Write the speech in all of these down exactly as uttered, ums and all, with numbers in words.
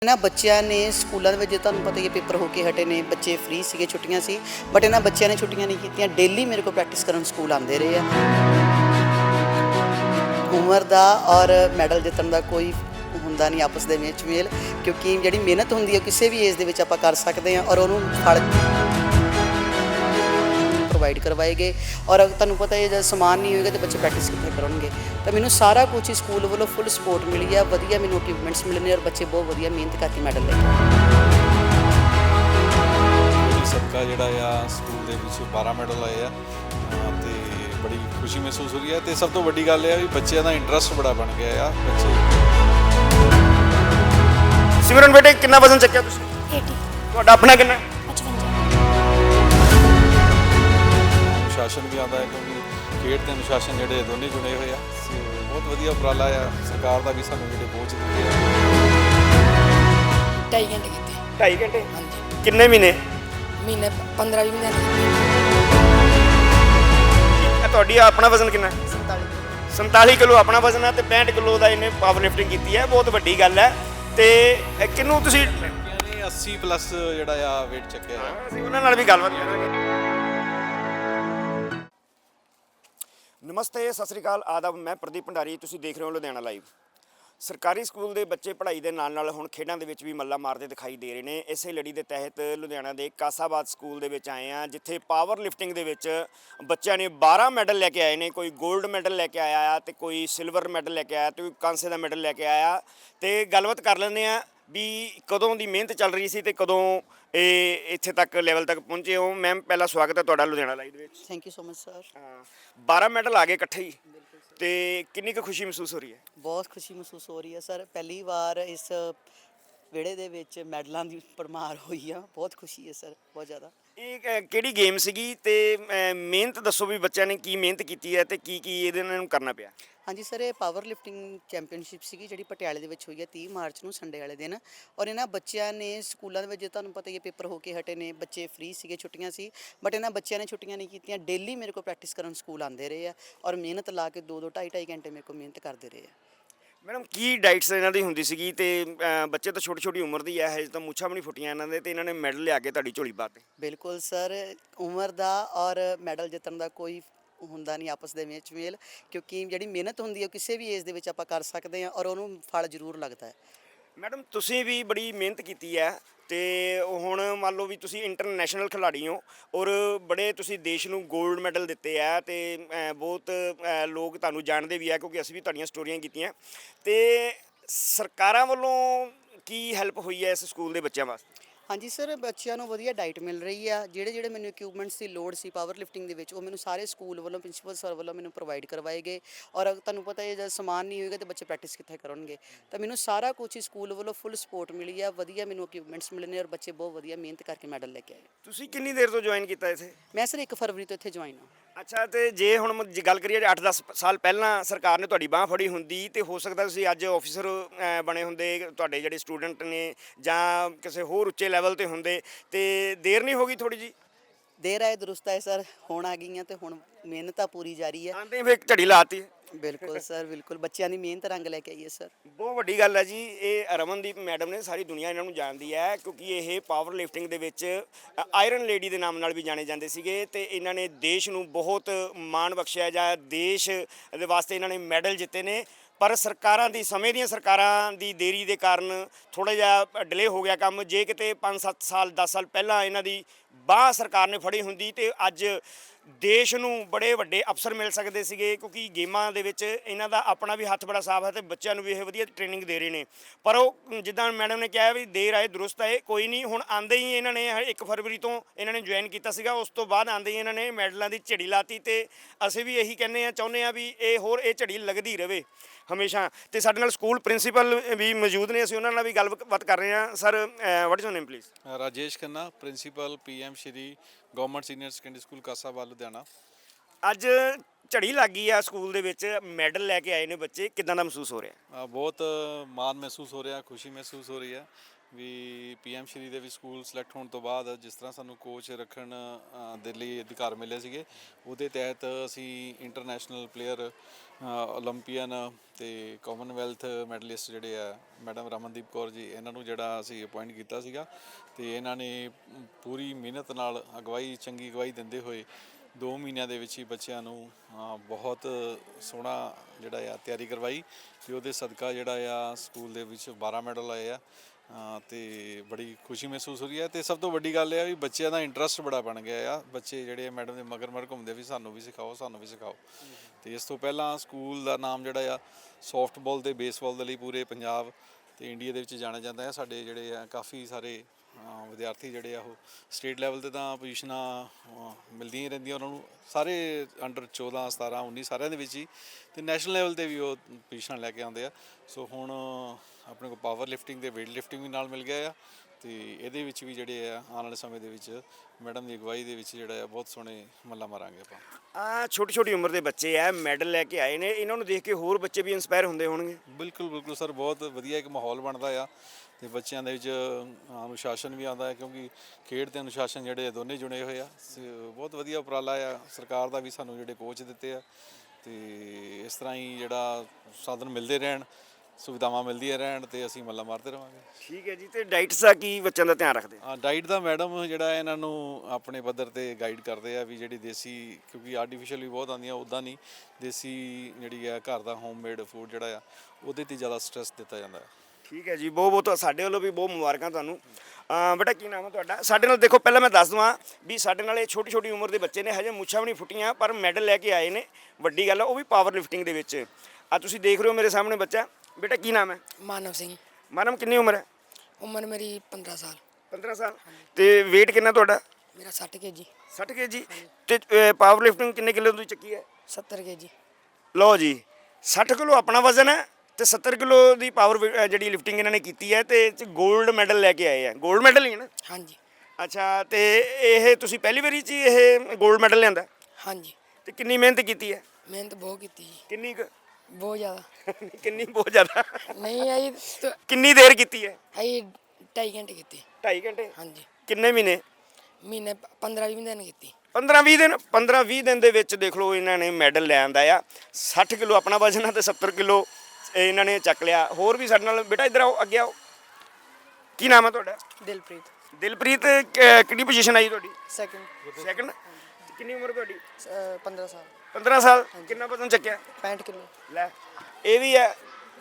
ਇਹਨਾਂ ਬੱਚਿਆਂ ਨੇ ਸਕੂਲਾਂ ਦੇ ਵਿੱਚ ਤੁਹਾਨੂੰ ਪਤਾ ਹੀ ਹੈ ਪੇਪਰ ਹੋ ਕੇ ਹਟੇ ਨੇ, ਬੱਚੇ ਫ੍ਰੀ ਸੀਗੇ, ਛੁੱਟੀਆਂ ਸੀ, ਬਟ ਇਹਨਾਂ ਬੱਚਿਆਂ ਨੇ ਛੁੱਟੀਆਂ ਨਹੀਂ ਕੀਤੀਆਂ, ਡੇਲੀ ਮੇਰੇ ਕੋਲ ਪ੍ਰੈਕਟਿਸ ਕਰਨ ਸਕੂਲ ਆਉਂਦੇ ਰਹੇ ਆ। ਉਮਰ ਦਾ ਔਰ ਮੈਡਲ ਜਿੱਤਣ ਦਾ ਕੋਈ ਹੁੰਦਾ ਨਹੀਂ ਆਪਸ ਦੇ ਵਿੱਚ ਮੇਲ, ਕਿਉਂਕਿ ਜਿਹੜੀ ਮਿਹਨਤ ਹੁੰਦੀ ਹੈ ਕਿਸੇ ਵੀ ਏਜ ਦੇ ਵਿੱਚ ਆਪਾਂ ਕਰ ਸਕਦੇ ਹਾਂ ਔਰ ਉਹਨੂੰ ਫਲ ਪ੍ਰੋਵਾਈਡ ਕਰਵਾਏ ਗਏ। ਔਰ ਤੁਹਾਨੂੰ ਪਤਾ ਹੈ ਜਦ ਸਮਾਨ ਨਹੀਂ ਹੋਏਗਾ ਤਾਂ ਬੱਚੇ ਪ੍ਰੈਕਟਿਸ ਕਿੱਥੇ ਕਰਨਗੇ, ਤਾਂ ਮੈਨੂੰ ਸਾਰਾ ਕੁਝ ਹੀ ਸਕੂਲ ਵੱਲੋਂ ਫੁੱਲ ਸਪੋਰਟ ਮਿਲੀ ਆ, ਵਧੀਆ ਮੈਨੂੰ ਇਕਵਿਪਮੈਂਟਸ ਮਿਲੇ ਨੇ ਔਰ ਬੱਚੇ ਬਹੁਤ ਵਧੀਆ ਮਿਹਨਤ ਕਰਕੇ ਮੈਡਲ ਲੈ ਕੇ ਸਦਕਾ ਜਿਹੜਾ ਆ ਸਕੂਲ ਦੇ ਵਿੱਚ ਬਾਰਾਂ ਮੈਡਲ ਆਏ ਆ ਤੇ ਬੜੀ ਖੁਸ਼ੀ ਮਹਿਸੂਸ ਹੋ ਰਹੀ ਹੈ। ਤੇ ਸਭ ਤੋਂ ਵੱਡੀ ਗੱਲ ਇਹ ਆ ਵੀ ਬੱਚਿਆਂ ਦਾ ਇੰਟਰਸਟ ਬੜਾ ਬਣ ਗਿਆ ਆ। ਬੱਚੇ ਸਿਮਰਨ ਬੇਟੇ ਕਿੰਨਾ ਵਜ਼ਨ ਚੱਕਿਆ ਤੁਸੀਂ? अस्सी ਤੁਹਾਡਾ ਆਪਣਾ ਕਿੰਨਾ? पचवंजा। ਅਨੁਸ਼ਾਸਨ ਵੀ ਆਉਂਦਾ ਹੈ ਕਿਉਂਕਿ ਖੇਡ ਤੇ ਅਨੁਸ਼ਾਸਨ ਜਿਹੜੇ ਦੋਨੇ ਜੁੜੇ ਹੋਏ ਆ। ਬਹੁਤ ਵਧੀਆ ਉਪਰਾਲਾ ਆ ਸਰਕਾਰ ਦਾ ਵੀ, ਸਾਨੂੰ ਜਿਹੜੇ ਬੋਝ ਦਿੱਤੇ ਆ। ढाई घंटे किए। ਢਾਈ ਘੰਟੇ हाँ जी ਕਿੰਨੇ ਮਹੀਨੇ? महीने पंद्रह भी महीने ਇਹ ਤੁਹਾਡੀ ਆਪਣਾ ਵਜ਼ਨ ਕਿੰਨਾ? ਸੰਤਾਲੀ ਕਿਲੋ ਆਪਣਾ ਵਜ਼ਨ ਹੈ ਤੇ ਪੈਂਹਠ ਕਿਲੋ ਦਾ ਇਹਨੇ ਪਾਵਰ ਲਿਫਟਿੰਗ ਕੀਤੀ ਹੈ, ਬਹੁਤ ਵੱਡੀ ਗੱਲ ਹੈ। ਤੇ ਇਹ ਕਿਹਨੂੰ ਤੁਸੀਂ ਇਹਨੇ ਅੱਸੀ ਪਲੱਸ ਜਿਹੜਾ ਆ weight ਚੱਕਿਆ ਆ। ਅਸੀਂ ਉਹਨਾਂ ਨਾਲ ਵੀ ਗੱਲਬਾਤ ਕਰਾਂਗੇ। ਨਮਸਤੇ, ਸਤਿ ਸ੍ਰੀ ਅਕਾਲ, ਆਦਾਬ। ਮੈਂ ਪ੍ਰਦੀਪ ਭੰਡਾਰੀ, ਤੁਸੀਂ ਦੇਖ ਰਹੇ ਹੋ ਲੁਧਿਆਣਾ ਲਾਈਵ। ਸਰਕਾਰੀ ਸਕੂਲ ਦੇ ਬੱਚੇ ਪੜ੍ਹਾਈ ਦੇ ਨਾਲ ਨਾਲ ਹੁਣ ਖੇਡਾਂ ਦੇ ਵਿੱਚ ਵੀ ਮੱਲਾ ਮਾਰਦੇ ਦਿਖਾਈ ਦੇ ਰਹੇ ਨੇ। ਇਸੇ ਲੜੀ ਦੇ ਤਹਿਤ ਲੁਧਿਆਣਾ ਦੇ ਕਾਸਾਬਾਦ ਸਕੂਲ ਦੇ ਵਿੱਚ ਆਏ ਆ, ਜਿੱਥੇ ਪਾਵਰ ਲਿਫਟਿੰਗ ਦੇ ਵਿੱਚ ਬੱਚਿਆਂ ਨੇ ਬਾਰਾਂ ਮੈਡਲ ਲੈ ਕੇ ਆਏ ਨੇ। ਕੋਈ 골ਡ ਮੈਡਲ ਲੈ ਕੇ ਆਇਆ ਆ ਤੇ ਕੋਈ ਸਿਲਵਰ ਮੈਡਲ ਲੈ ਕੇ ਆਇਆ ਤੇ ਕੋਈ ਕਾਂਸੇ ਦਾ ਮੈਡਲ ਲੈ ਕੇ ਆਇਆ। ਤੇ ਗੱਲਬਾਤ ਕਰ ਲੈਂਦੇ ਆ ਵੀ ਕਦੋਂ ਦੀ ਮਿਹਨਤ ਚੱਲ ਰਹੀ ਸੀ ਤੇ ਕਦੋਂ ਇਹ ਇੱਥੇ ਤੱਕ ਲੈਵਲ ਤੱਕ ਪਹੁੰਚੇ ਹੋ। ਮੈਮ ਪਹਿਲਾ ਸਵਾਗਤ ਹੈ ਤੁਹਾਡਾ ਲੁਧਿਆਣਾ ਲਾਈਵ ਦੇ ਵਿੱਚ। Thank you so much sir. ਬਾਰਾਂ ਮੈਡਲ ਆ ਗਏ ਇਕੱਠੇ ਹੀ, ਤੇ ਕਿੰਨੀ ਕੁ ਖੁਸ਼ੀ ਮਹਿਸੂਸ ਹੋ ਰਹੀ ਹੈ? ਬਹੁਤ ਖੁਸ਼ੀ ਮਹਿਸੂਸ ਹੋ ਰਹੀ ਹੈ ਸਰ, ਪਹਿਲੀ ਵਾਰ ਇਸ ਵਿਹੜੇ ਦੇ ਵਿੱਚ ਮੈਡਲਾਂ ਦੀ ਭਰਮਾਰ ਹੋਈ ਆ, ਬਹੁਤ ਖੁਸ਼ੀ ਹੈ ਸਰ, ਬਹੁਤ ਜ਼ਿਆਦਾ। ਇਹ ਕ- ਕਿਹੜੀ ਗੇਮ ਸੀਗੀ ਤੇ ਅਹ, ਮਿਹਨਤ ਦੱਸੋ ਵੀ ਬੱਚਿਆਂ ਨੇ ਕੀ ਮਿਹਨਤ ਕੀਤੀ ਹੈ ਤੇ ਕੀ ਕੀ ਇਹਦੇ ਨਾਲ ਨੂੰ ਕਰਨਾ ਪਿਆ? ਹਾਂਜੀ ਸਰ, ਇਹ ਪਾਵਰ ਲਿਫਟਿੰਗ ਚੈਂਪੀਅਨਸ਼ਿਪ ਸੀਗੀ ਜਿਹੜੀ ਪਟਿਆਲੇ ਦੇ ਵਿੱਚ ਹੋਈ ਹੈ ਤੀਹ ਮਾਰਚ ਨੂੰ, ਸੰਡੇ ਵਾਲੇ ਦਿਨ। ਔਰ ਇਹਨਾਂ ਬੱਚਿਆਂ ਨੇ ਸਕੂਲਾਂ ਦੇ ਵਿੱਚ ਤੁਹਾਨੂੰ ਪਤਾ ਹੀ ਹੈ ਪੇਪਰ ਹੋ ਕੇ ਹਟੇ ਨੇ, ਬੱਚੇ ਫ੍ਰੀ ਸੀਗੇ, ਛੁੱਟੀਆਂ ਸੀ, ਬਟ ਇਹਨਾਂ ਬੱਚਿਆਂ ਨੇ ਛੁੱਟੀਆਂ ਨਹੀਂ ਕੀਤੀਆਂ, ਡੇਲੀ ਮੇਰੇ ਕੋਲ ਪ੍ਰੈਕਟਿਸ ਕਰਨ ਸਕੂਲ ਆਉਂਦੇ ਰਹੇ ਆ ਔਰ ਮਿਹਨਤ ਲਾ ਕੇ ਦੋ ਦੋ ਢਾਈ ਢਾਈ ਘੰਟੇ ਮੇਰੇ ਕੋਲ ਮਿਹਨਤ ਕਰਦੇ ਰਹੇ ਆ। ਮੈਡਮ ਕੀ ਡਾਈਟਸ ਇਹਨਾਂ ਦੀ ਹੁੰਦੀ ਸੀਗੀ ਤੇ ਅਹ, ਬੱਚੇ ਤਾਂ ਛੋਟੀ ਛੋਟੀ ਉਮਰ ਦੀ ਹੈ, ਹਜੇ ਤਾਂ ਮੁੱਛਾਂ ਵੀ ਨਹੀਂ ਫੁੱਟੀਆਂ ਇਹਨਾਂ ਦੇ, ਤੇ ਇਹਨਾਂ ਨੇ ਮੈਡਲ ਲਿਆ ਕੇ ਤੁਹਾਡੀ ਝੋਲੀ ਪਾਤੇ। ਬਿਲਕੁਲ ਸਰ, ਉਮਰ ਦਾ ਔਰ ਮੈਡਲ ਜਿੱਤਣ ਦਾ ਕੋਈ ਹੁੰਦਾ ਨਹੀਂ ਆਪਸ ਦੇ ਵਿੱਚ ਮੇਲ, ਕਿਉਂਕਿ ਜਿਹੜੀ ਮਿਹਨਤ ਹੁੰਦੀ ਹੈ ਕਿਸੇ ਵੀ ਏਜ ਦੇ ਵਿੱਚ ਆਪਾਂ ਕਰ ਸਕਦੇ ਹਾਂ ਔਰ ਉਹਨੂੰ ਫਲ ਜ਼ਰੂਰ ਲੱਗਦਾ ਹੈ। ਮੈਡਮ ਤੁਸੀਂ ਵੀ ਬੜੀ ਮਿਹਨਤ ਕੀਤੀ ਹੈ ਤੇ ਹੁਣ ਮੰਨ ਲਓ ਵੀ ਤੁਸੀਂ ਇੰਟਰਨੈਸ਼ਨਲ ਖਿਡਾਰੀ ਹੋ ਔਰ ਬੜੇ ਤੁਸੀਂ ਦੇਸ਼ ਨੂੰ 골ਡ ਮੈਡਲ ਦਿੱਤੇ ਆ ਤੇ ਅਹ, ਬਹੁਤ ਅਹ, ਲੋਕ ਤੁਹਾਨੂੰ ਜਾਣਦੇ ਵੀ ਆ ਕਿਉਂਕਿ ਅਸੀਂ ਵੀ ਤੁਹਾਡੀਆਂ ਸਟੋਰੀਆਂ ਕੀਤੀਆਂ। ਤੇ ਸਰਕਾਰਾਂ ਵੱਲੋਂ ਕੀ ਹੈਲਪ ਹੋਈ ਹੈ ਇਸ ਸਕੂਲ ਦੇ ਬੱਚਿਆਂ ਵਾਸਤੇ? ਹਾਂਜੀ ਸਰ, ਬੱਚਿਆਂ ਨੂੰ ਵਧੀਆ ਡਾਈਟ ਮਿਲ ਰਹੀ ਆ। ਜਿਹੜੇ ਜਿਹੜੇ ਮੈਨੂੰ ਇਕਵਿਪਮੈਂਟਸ ਦੀ ਲੋੜ ਸੀ ਪਾਵਰ ਲਿਫਟਿੰਗ ਦੇ ਵਿੱਚ, ਉਹ ਮੈਨੂੰ ਸਾਰੇ ਸਕੂਲ ਵੱਲੋਂ, ਪ੍ਰਿੰਸੀਪਲ ਸਰ ਵੱਲੋਂ ਮੈਨੂੰ ਪ੍ਰੋਵਾਈਡ ਕਰਵਾਏ ਗਏ। ਔਰ ਤੁਹਾਨੂੰ ਪਤਾ ਹੈ ਜਦ ਸਮਾਨ ਨਹੀਂ ਹੋਏਗਾ ਤਾਂ ਬੱਚੇ ਪ੍ਰੈਕਟਿਸ ਕਿੱਥੇ ਕਰਨਗੇ, ਤਾਂ ਮੈਨੂੰ ਸਾਰਾ ਕੁਝ ਹੀ ਸਕੂਲ ਵੱਲੋਂ ਫੁੱਲ ਸਪੋਰਟ ਮਿਲੀ ਆ, ਵਧੀਆ ਮੈਨੂੰ ਇਕਵਿਪਮੈਂਟਸ ਮਿਲੇ ਨੇ ਔਰ ਬੱਚੇ ਬਹੁਤ ਵਧੀਆ ਮਿਹਨਤ ਕਰਕੇ ਮੈਡਲ ਲੈ ਕੇ ਆਏ। ਤੁਸੀਂ ਕਿੰਨੀ ਦੇਰ ਤੋਂ ਜੁਆਇਨ ਕੀਤਾ ਇੱਥੇ? ਮੈਂ ਸਰ ਇੱਕ ਫਰਵਰੀ ਤੋਂ ਇੱਥੇ ਜੁਆਇਨ ਹਾਂ। ਅੱਛਾ, ਤੇ ਜੇ ਹੁਣ ਮ- ਜੇ ਗੱਲ ਕਰੀਏ ਅੱਠ ਦਸ ਸਾਲ ਪਹਿਲਾਂ ਸਰਕਾਰ ਨੇ ਤੁਹਾਡੀ ਬਾਂਹ ਫੜੀ ਹੁੰਦੀ ਤੇ ਹੋ ਸਕਦਾ ਤੁਸੀਂ ਅੱਜ ਆਫੀਸਰ ਬਣੇ ਹੁੰਦੇ, ਤੁਹਾਡੇ ਜਿਹੜੇ ਸਟੂਡੈਂਟ ਨੇ ਜਾਂ ਕਿਸੇ ਹੋਰ ਉੱਚੇ ਲੈਵਲ ਤੇ ਹੁੰਦੇ। ਤੇ ਦੇਰ ਨਹੀਂ ਹੋ ਗਈ ਥੋੜੀ ਜੀ? ਦੇਰ ਆਏ ਦਰੁਸਤ ਆਏ ਸਰ, ਹੁਣ ਆ ਗਈਆਂ ਤੇ ਹੁਣ ਮਿਹਨਤ ਤਾਂ ਪੂਰੀ ਜਾਰੀ ਹੈ। ਆਂਦੇ ਫਿਰ ਝੜੀ ਲਾਤੀ। ਬਿਲਕੁਲ ਸਰ, ਬਿਲਕੁਲ ਬੱਚਿਆਂ ਦੀ ਮਿਹਨਤ ਰੰਗ ਲੈ ਕੇ ਆਈਏ ਸਰ। ਬਹੁਤ ਵੱਡੀ ਗੱਲ ਹੈ ਜੀ। ਇਹ ਰਮਨਦੀਪ ਮੈਡਮ ਨੇ, ਸਾਰੀ ਦੁਨੀਆ ਇਹਨਾਂ ਨੂੰ ਜਾਣਦੀ ਹੈ ਕਿਉਂਕਿ ਇਹ ਪਾਵਰ ਲਿਫਟਿੰਗ ਦੇ ਵਿੱਚ ਆਇਰਨ ਲੇਡੀ ਦੇ ਨਾਮ ਨਾਲ ਵੀ ਜਾਣੇ ਜਾਂਦੇ ਸੀਗੇ ਤੇ ਇਹਨਾਂ ਨੇ ਦੇਸ਼ ਨੂੰ ਬਹੁਤ ਮਾਣ ਬਖਸ਼ਿਆ ਜਾਂ ਦੇਸ਼ ਦੇ ਵਾਸਤੇ ਇਹਨਾਂ ਨੇ ਮੈਡਲ ਜਿੱਤੇ ਨੇ। ਪਰ ਸਰਕਾਰਾਂ ਦੀ, ਸਮੇਂ ਦੀਆਂ ਸਰਕਾਰਾਂ ਦੀ ਦੇਰੀ ਦੇ ਕਾਰਨ ਥੋੜ੍ਹਾ ਜਿਹਾ ਡਿਲੇ ਹੋ ਗਿਆ ਕੰਮ। ਜੇ ਕਿਤੇ ਪੰਜ ਸੱਤ ਸਾਲ ਦਸ ਸਾਲ ਪਹਿਲਾਂ ਇਹਨਾਂ ਦੀ ਬਾਂਹ ਸਰਕਾਰ ਨੇ ਫੜੀ ਹੁੰਦੀ ਤੇ ਅੱਜ ਦੇਸ਼ ਨੂੰ ਬੜੇ ਵੱਡੇ ਅਫਸਰ ਮਿਲ ਸਕਦੇ ਸੀਗੇ, ਕਿਉਂਕਿ ਗੇਮਾਂ ਦੇ ਵਿੱਚ ਇਹਨਾਂ ਦਾ ਆਪਣਾ ਵੀ ਹੱਥ ਬੜਾ ਸਾਫ਼ ਹੈ ਤੇ ਬੱਚਿਆਂ ਨੂੰ ਵੀ ਇਹ ਵਧੀਆ ਟ੍ਰੇਨਿੰਗ ਦੇ ਰਹੇ ਨੇ। ਪਰ ਉਹ ਜਿੱਦਾਂ ਮੈਡਮ ਨੇ ਕਿਹਾ ਵੀ ਦੇਰ ਆਏ ਦਰੁਸਤ ਆਏ, ਕੋਈ ਨਹੀਂ, ਹੁਣ ਆਉਂਦੇ ਹੀ ਇਹਨਾਂ ਨੇ ਇੱਕ ਫਰਵਰੀ ਤੋਂ ਇਹਨਾਂ ਨੇ ਜੁਆਇਨ ਕੀਤਾ ਸੀਗਾ, ਉਸ ਤੋਂ ਬਾਅਦ ਆਉਂਦੇ ਹੀ ਇਹਨਾਂ ਨੇ ਮੈਡਲਾਂ ਦੀ ਝੜੀ ਲਾਤੀ। ਤੇ ਅਸੀਂ ਵੀ ਇਹੀ ਕਹਿੰਦੇ ਆ, ਚਾਹੁੰਦੇ ਆ ਵੀ ਇਹ ਹੋਰ ਇਹ ਝੜੀ ਲੱਗਦੀ ਰਹੇ ਹਮੇਸ਼ਾ। ਤੇ ਸਾਡੇ ਨਾਲ ਸਕੂਲ ਪ੍ਰਿੰਸੀਪਲ ਵੀ ਮੌਜੂਦ ਨੇ, ਅਸੀਂ ਉਹਨਾਂ ਨਾਲ ਵੀ ਗੱਲਬਾਤ ਕਰ ਰਹੇ ਹਾਂ। Sir, what is your name please? Rajesh Khanna, principal P M Shri government senior secondary school Kasabad Ludhiana. ਅੱਜ ਝੜੀ ਲੱਗ ਗਈ ਆ ਸਕੂਲ ਦੇ ਵਿੱਚ, ਮੈਡਲ ਲੈ ਕੇ ਆਏ ਨੇ ਬੱਚੇ, ਕਿਦਾਂ ਦਾ ਮਹਿਸੂਸ ਹੋ ਰਿਹਾ? ਅ, ਬਹੁਤ ਮਾਣ ਮਹਿਸੂਸ ਹੋ ਰਿਹਾ, ਖੁਸ਼ੀ ਮਹਿਸੂਸ ਹੋ ਰਹੀ ਹੈ ਵੀ ਪੀਐਮ ਸ਼੍ਰੀ ਦੇ ਵੀ ਸਕੂਲ ਸਿਲੈਕਟ ਹੋਣ ਤੋਂ ਬਾਅਦ ਜਿਸ ਤਰ੍ਹਾਂ ਸਾਨੂੰ ਕੋਚ ਰੱਖਣ ਅ, ਦੇ ਲਈ ਅਧਿਕਾਰ ਮਿਲੇ ਸੀਗੇ, ਉਹਦੇ ਤਹਿਤ ਅਸੀਂ ਇੰਟਰਨੈਸ਼ਨਲ ਪਲੇਅਰ, ਓਲੰਪੀਅਨ ਤੇ ਕਾਮਨਵੈਲਥ ਮੈਡਲਿਸਟ ਜਿਹੜੇ ਆ ਮੈਡਮ ਰਮਨਦੀਪ ਕੌਰ ਜੀ, ਇਹਨਾਂ ਨੂੰ ਜਿਹੜਾ ਅਸੀਂ ਅਪਾਇੰਟ ਕੀਤਾ ਸੀਗਾ ਤੇ ਇਹਨਾਂ ਨੇ ਪੂਰੀ ਮਿਹਨਤ ਨਾਲ ਅਗਵਾਈ, ਚੰਗੀ ਅਗਵਾਈ ਦਿੰਦੇ ਹੋਏ ਦੋ ਮਹੀਨਿਆਂ ਦੇ ਵਿੱਚ ਹੀ ਬੱਚਿਆਂ ਨੂੰ ਅ, ਬਹੁਤ ਸੋਹਣਾ ਜਿਹੜਾ ਆ ਤਿਆਰੀ ਕਰਵਾਈ ਤੇ ਉਹਦੇ ਸਦਕਾ ਜਿਹੜਾ ਆ ਸਕੂਲ ਦੇ ਵਿੱਚ ਬਾਰਾਂ ਮੈਡਲ ਆਏ ਆ ਅ, ਤੇ ਬੜੀ ਖੁਸ਼ੀ ਮਹਿਸੂਸ ਹੋ ਰਹੀ ਹੈ। ਤੇ ਸਭ ਤੋਂ ਵੱਡੀ ਗੱਲ ਇਹ ਆ ਵੀ ਬੱਚਿਆਂ ਦਾ ਇੰਟਰਸਟ ਬੜਾ ਬਣ ਗਿਆ ਆ, ਬੱਚੇ ਜਿਹੜੇ ਮੈਡਮ ਦੇ ਮਗਰ ਮਗਰ ਘੁੰਮਦੇ ਵੀ ਸਾਨੂੰ ਵੀ ਸਿਖਾਓ ਸਾਨੂੰ ਵੀ ਸਿਖਾਓ। ਤੇ ਇਸ ਤੋਂ ਪਹਿਲਾਂ ਸਕੂਲ ਦਾ ਨਾਮ ਜਿਹੜਾ ਆ ਸੌਫਟਬਾਲ ਤੇ ਬੇਸਬਾਲ ਦੇ ਲਈ ਪੂਰੇ ਪੰਜਾਬ ਤੇ ਇੰਡੀਆ ਦੇ ਵਿੱਚ ਜਾਣਿਆ ਜਾਂਦਾ ਹੈ। ਸਾਡੇ ਜਿਹੜੇ ਆ ਕਾਫੀ ਸਾਰੇ ਅ, ਵਿਦਿਆਰਥੀ ਜਿਹੜੇ ਆ ਉਹ ਸਟੇਟ ਲੈਵਲ ਤੇ ਤਾਂ ਪੋਜੀਸ਼ਨਾਂ ਅ, ਮਿਲਦੀਆਂ ਹੀ ਰਹਿੰਦੀਆਂ ਉਹਨਾਂ ਨੂੰ, ਸਾਰੇ ਅੰਡਰ ਚੌਦਾਂ ਸਤਾਰਾਂ ਉੱਨੀ ਸਾਰਿਆਂ ਦੇ ਵਿੱਚ ਹੀ, ਤੇ ਨੈਸ਼ਨਲ ਲੈਵਲ ਤੇ ਵੀ ਉਹ ਪੋਜੀਸ਼ਨਾਂ ਲੈ ਕੇ ਆਉਂਦੇ ਆ। ਸੋ ਹੁਣ ਆਪਣੇ ਕੋਲ ਪਾਵਰ ਲਿਫਟਿੰਗ ਤੇ ਵੇਟ ਲਿਫਟਿੰਗ ਵੀ ਨਾਲ ਮਿਲ ਗਿਆ ਆ ਤੇ ਇਹਦੇ ਵਿੱਚ ਵੀ ਜਿਹੜੇ ਆ ਆਉਣ ਵਾਲੇ ਸਮੇਂ ਦੇ ਵਿੱਚ ਮੈਡਮ ਦੀ ਅਗਵਾਈ ਦੇ ਵਿੱਚ ਜਿਹੜਾ ਆ ਬਹੁਤ ਸੋਹਣੇ ਮੱਲਾਂ ਮਾਰਾਂਗੇ ਆਪਾਂ। ਆ ਛੋਟੀ ਛੋਟੀ ਉਮਰ ਦੇ ਬੱਚੇ ਆ, ਮੈਡਲ ਲੈ ਕੇ ਆਏ ਨੇ, ਇਹਨਾਂ ਨੂੰ ਦੇਖ ਕੇ ਹੋਰ ਬੱਚੇ ਵੀ ਇਨਸਪਾਇਰ ਹੁੰਦੇ ਹੋਣਗੇ। ਬਿਲਕੁਲ ਬਿਲਕੁਲ ਸਰ, ਬਹੁਤ ਵਧੀਆ ਇੱਕ ਮਾਹੌਲ ਬਣਦਾ ਆ ਤੇ ਬੱਚਿਆਂ ਦੇ ਵਿੱਚ ਅਨੁਸ਼ਾਸਨ ਵੀ ਆਉਂਦਾ ਹੈ, ਕਿਉਂਕਿ ਖੇਡ ਤੇ ਅਨੁਸ਼ਾਸਨ ਜਿਹੜੇ ਦੋਨੇ ਜੁੜੇ ਹੋਏ ਆ। ਸ- ਬਹੁਤ ਵਧੀਆ ਉਪਰਾਲਾ ਆ ਸਰਕਾਰ ਦਾ ਵੀ, ਸਾਨੂੰ ਜਿਹੜੇ ਕੋਚ ਦਿੱਤੇ ਆ ਤੇ ਇਸ ਤਰ੍ਹਾਂ ਹੀ ਜਿਹੜਾ ਸਾਧਨ ਮਿਲਦੇ ਰਹਿਣ, ਸੁਵਿਧਾਵਾਂ ਮਿਲਦੀਆਂ ਰਹਿਣ ਤੇ ਅਸੀਂ ਮੱਲਾਂ ਮਾਰਦੇ ਰਹਾਂਗੇ। ਠੀਕ ਹੈ ਜੀ। ਤੇ ਡਾਈਟਸ ਦਾ ਕੀ ਬੱਚਿਆਂ ਦਾ ਧਿਆਨ ਰੱਖਦੇ? ਹਾਂ, ਡਾਈਟ ਦਾ ਮੈਡਮ ਜਿਹੜਾ ਇਹਨਾਂ ਨੂੰ ਆਪਣੇ ਪੱਧਰ ਤੇ ਗਾਈਡ ਕਰਦੇ ਆ ਵੀ ਜਿਹੜੀ ਦੇਸੀ, ਕਿਉਂਕਿ ਆਰਟੀਫੀਸ਼ੀਅਲ ਵੀ ਬਹੁਤ ਆਉਂਦੀਆਂ, ਉੱਦਾਂ ਨਹੀਂ ਦੇਸੀ ਜਿਹੜੀ ਆ ਘਰ ਦਾ ਹੋਮਮੇਡ ਫੂਡ ਜਿਹੜਾ ਆ ਉਹਦੇ ਤੇ ਜ਼ਿਆਦਾ ਸਟ੍ਰੈਸ ਦਿੱਤਾ ਜਾਂਦਾ ਹੈ। ਠੀਕ ਹੈ ਜੀ, ਬਹੁਤ ਬਹੁਤ ਸਾਡੇ ਵੱਲੋਂ ਵੀ ਬਹੁਤ ਮੁਬਾਰਕਾਂ ਤੁਹਾਨੂੰ। ਅਮ ਬੇਟਾ ਕੀ ਨਾਮ ਹੈ ਤੁਹਾਡਾ? ਸਾਡੇ ਨਾਲ ਦੇਖੋ, ਪਹਿਲਾਂ ਮੈਂ ਦੱਸ ਦਵਾਂ ਵੀ ਸਾਡੇ ਨਾਲ ਇਹ ਛੋਟੀ ਛੋਟੀ ਉਮਰ ਦੇ ਬੱਚੇ ਨੇ, ਹਜੇ ਮੁੱਛਾਂ ਵੀ ਨਹੀਂ ਫੁੱਟੀਆਂ ਪਰ ਮੈਡਲ ਲੈ ਕੇ ਆਏ ਨੇ, ਵੱਡੀ ਗੱਲ ਹੈ, ਉਹ ਵੀ ਪਾਵਰ ਲਿਫਟਿੰਗ ਦੇ ਵਿੱਚ। ਆ ਤੁਸੀਂ ਦੇਖ ਰਹੇ ਹੋ ਮੇਰੇ ਸਾਹਮਣੇ ਬੱਚਾ, ਬੇਟਾ ਕੀ ਨਾਮ ਹੈ? ਮਾਨਵ ਸਿੰਘ। ਮਾਨਮ ਕਿੰਨੀ ਉਮਰ ਹੈ? ਉਮਰ ਮੇਰੀ ਪੰਦਰਾਂ ਸਾਲ। ਪੰਦਰਾਂ ਸਾਲ। ਤੇ weight ਕਿੰਨਾ ਤੁਹਾਡਾ? ਮੇਰਾ ਸੱਠ ਕੇਜੀ। ਸੱਠ ਕੇਜੀ। ਤੇ ਪਾਵਰ ਲਿਫਟਿੰਗ ਕਿੰਨੇ ਕਿਲੋ ਤੁਸੀਂ ਚੱਕੀ ਹੈ? ਸੱਤਰ ਕੇਜੀ। ਲਓ ਜੀ, ਸੱਠ ਕਿਲੋ ਆਪਣਾ ਵਜ਼ਨ ਹੈ ਤੇ ਸੱਤਰ ਕਿਲੋ ਦੀ ਪਾਵਰ ਜਿਹੜੀ ਲਿਫਟਿੰਗ ਇਹਨਾਂ ਨੇ ਕੀਤੀ ਹੈ ਤੇ 골ਡ ਮੈਡਲ ਲੈ ਕੇ ਆਏ ਆ। 골ਡ ਮੈਡਲ ਹੀ ਹੈ ਨਾ? ਹਾਂਜੀ ਅੱਛਾ, ਤੇ ਇਹ ਤੁਸੀਂ ਪਹਿਲੀ ਵਾਰੀ 'ਚ ਹੀ ਇਹ 골ਡ ਮੈਡਲ ਲਿਆਂਦਾ? ਹਾਂਜੀ। ਤੇ ਕਿੰਨੀ ਮਿਹਨਤ ਕੀਤੀ ਹੈ? ਮਿਹਨਤ ਬਹੁਤ ਕੀਤੀ ਜੀ, ਕਿੰਨੀ ਕੁ? ਬਹੁਤ ਜ਼ਿਆਦਾ। ਕਿੰਨੀ? ਬਹੁਤ ਜ਼ਿਆਦਾ। ਨਹੀਂ ਆਈ ਕਿੰਨੀ ਦੇਰ ਕੀਤੀ ਹੈ? ਆਈ ਢਾਈ ਘੰਟੇ ਕੀਤੀ। ਢਾਈ ਘੰਟੇ। ਹਾਂਜੀ। ਕਿੰਨੇ ਮਹੀਨੇ? ਮਹੀਨੇ ਪੰਦਰਾਂ ਵੀਹ ਦਿਨ ਕੀਤੀ। ਪੰਦਰਾਂ ਵੀਹ ਦਿਨ। ਪੰਦਰਾਂ ਵੀਹ ਦਿਨ ਦੇ ਵਿੱਚ ਦੇਖ ਲਓ ਇਹਨਾਂ ਨੇ ਮੈਡਲ ਲੈ ਆਂਦਾ ਆ। ਸੱਠ ਕਿਲੋ ਆਪਣਾ ਵਜ਼ਨ ਆ ਤੇ ਸੱਤਰ ਕਿਲੋ ਇਹਨਾਂ ਨੇ ਚੱਕ ਲਿਆ। ਹੋਰ ਵੀ ਸਾਡੇ ਨਾਲ, ਬੇਟਾ ਇੱਧਰ ਆਓ, ਅੱਗੇ ਆਓ। ਕੀ ਨਾਮ ਹੈ ਤੁਹਾਡਾ? ਦਿਲਪ੍ਰੀਤ। ਦਿਲਪ੍ਰੀਤ। ਕ- ਕਿਹੜੀ ਪੋਜੀਸ਼ਨ ਆਈ ਤੁਹਾਡੀ? ਸੈਕਿੰਡ। ਸੈਕੰਡ। ਕਿੰਨੀ ਉਮਰ ਤੁਹਾਡੀ? ਪੰਦਰਾਂ ਸਾਲ। ਪੰਦਰਾਂ ਸਾਲ। ਕਿੰਨਾ ਵਜ਼ਨ ਚੱਕਿਆ? ਪੈਂਹਠ ਕਿਲੋ। ਲੈ, ਇਹ ਵੀ ਹੈ।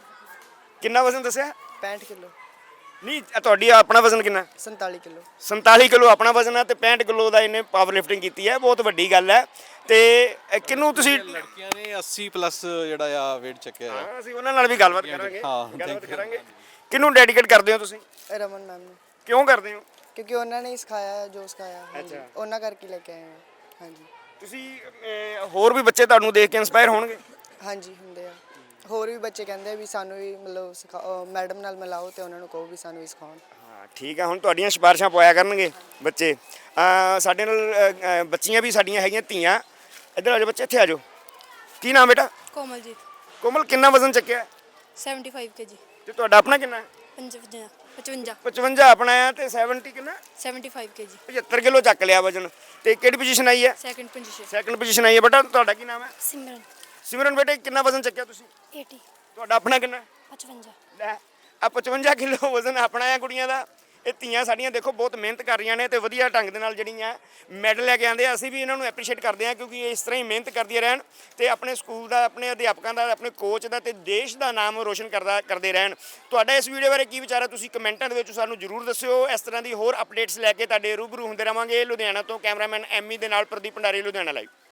ਕਿੰਨਾ ਵਜ਼ਨ ਦੱਸਿਆ? ਪੈਂਹਠ ਕਿਲੋ। ਨਹੀਂ, ਇਹ ਤੁਹਾਡੀ ਆਪਣਾ ਵਜ਼ਨ ਕਿੰਨਾ? ਸੰਤਾਲੀ ਕਿਲੋ। ਸੰਤਾਲੀ ਕਿਲੋ ਆਪਣਾ ਵਜ਼ਨ ਹੈ ਤੇ ਪੈਂਹਠ ਕਿਲੋ ਦਾ ਇਹਨੇ ਪਾਵਰ ਲਿਫਟਿੰਗ ਕੀਤੀ ਹੈ। ਬਹੁਤ ਵੱਡੀ ਗੱਲ ਹੈ। ਤੇ ਇਹ ਕਿਹਨੂੰ ਤੁਸੀਂ? ਲੜਕੀਆਂ ਨੇ ਅੱਸੀ ਪਲੱਸ ਜਿਹੜਾ ਆ weight ਚੱਕਿਆ ਆ। ਹਾਂ, ਅਸੀਂ ਉਹਨਾਂ ਨਾਲ ਵੀ ਗੱਲਬਾਤ ਕਰਾਂਗੇ। ਹਾਂ, ਗੱਲਬਾਤ thank you। ਕਰਾਂਗੇ। ਕਿਹਨੂੰ ਡੈਡੀਕੇਟ ਕਰਦੇ ਹੋ ਤੁਸੀਂ? ਰਮਨ ਮੈਮ ਨੂੰ, ਕਿਉਂ ਕਰਦੇ ਹੋ? ਕਿਉਂਕਿ ਉਹਨਾਂ ਨੇ ਹੀ ਸਿਖਾਇਆ ਹੈ ਜੋ ਸਿਖਾਇਆ। ਹਾਂਜੀ, ਅੱਛਾ। ਉਹਨਾਂ ਕਰਕੇ ਲੈ ਕੇ ਆਏ ਹਾਂ। ਹਾਂਜੀ ਤੁਸੀਂ ਅਹ, ਹੋਰ ਵੀ ਬੱਚੇ ਤੁਹਾਨੂੰ ਦੇਖ ਕੇ ਇਨਸਪਾਇਰ ਹੋਣਗੇ? ਹਾਂਜੀ ਹੁੰਦੇ ਆ। ਹੋਰ ਵੀ ਬੱਚੇ ਕਹਿੰਦੇ ਆ ਵੀ ਸਾਨੂੰ ਵੀ ਮਤਲਬ ਸਿਖਾਓ, ਮੈਡਮ ਨਾਲ ਮਿਲਾਓ ਤੇ ਉਹਨਾਂ ਨੂੰ ਕਹੋ ਵੀ ਸਾਨੂੰ ਵੀ ਸਿਖਾਉਣ। ਹਾਂ, ਠੀਕ ਆ। ਹੁਣ ਤੁਹਾਡੀਆਂ ਸਿਫਾਰਿਸ਼ਾਂ ਪਾਇਆ ਕਰਨਗੇ ਬੱਚੇ। ਅਹ, ਸਾਡੇ ਨਾਲ ਅਹ, ਅਹ, ਬੱਚੀਆਂ ਵੀ ਸਾਡੀਆਂ ਹੈਗੀਆਂ ਧੀਆਂ। ਇੱਧਰ ਆ ਜਾਓ ਬੱਚੇ, ਇੱਥੇ ਆ ਜਾਓ। ਕੀ ਨਾਮ ਬੇਟਾ? ਕੋਮਲਜੀਤ। ਕੋਮਲ, ਕਿੰਨਾ ਵਜ਼ਨ ਚੱਕਿਆ? ਪਚੱਨਵੇਂ ਕੇਜੀ। ਤੇ ਤੁਹਾਡਾ ਆਪਣਾ ਕਿੰਨਾ ਹੈ? ਪਚਵੰਜਾ। ਪਚਵੰਜਾ। ਪਚਵੰਜਾ ਆਪਣਾ ਹੈ ਤੇ ਸੱਤਰ ਕਿੰਨਾ? ਪਚੱਨਵੇਂ ਕੇਜੀ। ਪਝੱਤਰ ਕਿਲੋ ਚੱਕ ਲਿਆ ਵਜ਼ਨ। ਤੇ ਕਿਹੜੀ ਪੋਜੀਸ਼ਨ ਆਈ ਹੈ? Second position. ਸੈਕੰਡ ਪੋਜੀਸ਼ਨ ਆਈ ਹੈ। ਬੇਟਾ ਤੁਹਾਡਾ ਕੀ ਨਾਮ ਹੈ? ਸਿਮਰਨ। ਸਿਮਰਨ ਬੇਟੇ, ਕਿੰਨਾ ਵਜ਼ਨ ਚੱਕਿਆ ਤੁਸੀਂ? ਅੱਸੀ। ਤੁਹਾਡਾ ਆਪਣਾ ਕਿੰਨਾ? ਪਚਵੰਜਾ। ਲੈ, ਆ ਪਚਵੰਜਾ ਕਿਲੋ ਵਜ਼ਨ ਆਪਣਾ ਹੈ ਕੁੜੀਆਂ ਦਾ। ਇਹ ਧੀਆਂ ਸਾਡੀਆਂ ਦੇਖੋ ਬਹੁਤ ਮਿਹਨਤ ਕਰ ਰਹੀਆਂ ਨੇ ਤੇ ਵਧੀਆ ਢੰਗ ਦੇ ਨਾਲ ਜਿਹੜੀਆਂ ਮੈਡਲ ਲੈ ਕੇ ਆਉਂਦੇ ਆ। ਅਸੀਂ ਵੀ ਇਹਨਾਂ ਨੂੰ ਐਪਰੀਸ਼ੀਏਟ ਕਰਦੇ ਹਾਂ ਕਿਉਂਕਿ ਇਹ ਇਸ ਤਰ੍ਹਾਂ ਹੀ ਮਿਹਨਤ ਕਰਦੀਆਂ ਰਹਿਣ ਤੇ ਆਪਣੇ ਸਕੂਲ ਦਾ, ਆਪਣੇ ਅਧਿਆਪਕਾਂ ਦਾ, ਆਪਣੇ ਕੋਚ ਦਾ ਤੇ ਦੇਸ਼ ਦਾ ਨਾਮ ਰੋਸ਼ਨ ਕਰਦਾ ਕਰਦੇ ਰਹਿਣ। ਤੁਹਾਡਾ ਇਸ ਵੀਡੀਓ ਬਾਰੇ ਕੀ ਵਿਚਾਰ ਹੈ? ਤੁਸੀਂ ਕਮੈਂਟਾਂ ਦੇ ਵਿੱਚ ਸਾਨੂੰ ਜ਼ਰੂਰ ਦੱਸਿਓ। ਇਸ ਤਰ੍ਹਾਂ ਦੀ ਹੋਰ ਅਪਡੇਟਸ ਲੈ ਕੇ ਤੁਹਾਡੇ ਰੂਬਰੂ ਹੁੰਦੇ ਰਵਾਂਗੇ। ਲੁਧਿਆਣਾ ਤੋਂ ਕੈਮਰਾਮੈਨ ਐਮੀ ਦੇ ਨਾਲ ਪ੍ਰਦੀਪ ਭੰਡਾਰੀ, ਲੁਧਿਆਣਾ ਲਾਈਵ।